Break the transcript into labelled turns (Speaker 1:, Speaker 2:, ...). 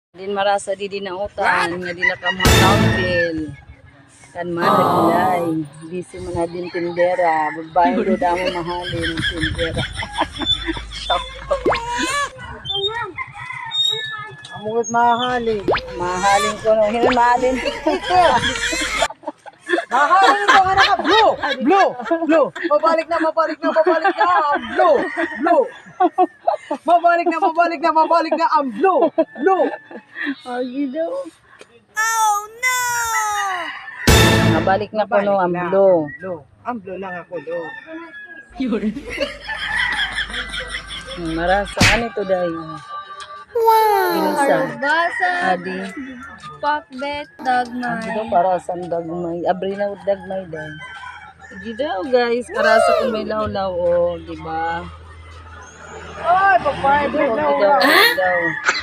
Speaker 1: Din marasa di dinautan nga di nakamahal bill. Kan man nagulay. Busy man na din tindera. Babae do damo mahalin tindera.
Speaker 2: Amot mahalin.
Speaker 1: Mahalin ko no. Hindi mahalin.
Speaker 2: Mahalin ko nga naka. Blue! Blue! Blue! Mabalik na, mabalik na, mabalik na. Blue! Blue! Mabalik na, mabalik na, mabalik na. Ang blue! Blue!
Speaker 1: Agi daw.
Speaker 3: Oh no!
Speaker 1: Nabalik na ko no ang blue.
Speaker 2: Blue. Ang blue lang ako, blue.
Speaker 1: Marasa ano to dahil.
Speaker 3: Wow!
Speaker 1: Ginisa.
Speaker 3: Basa,
Speaker 1: Adi.
Speaker 3: pakbet,
Speaker 1: Ito
Speaker 3: dagmay.
Speaker 1: para sa dagmay. Abri na dagmay dahil. Agi daw guys. Karasa kung may lawlaw o. Diba?
Speaker 2: Ay, papayad
Speaker 1: Agi daw. Agi daw.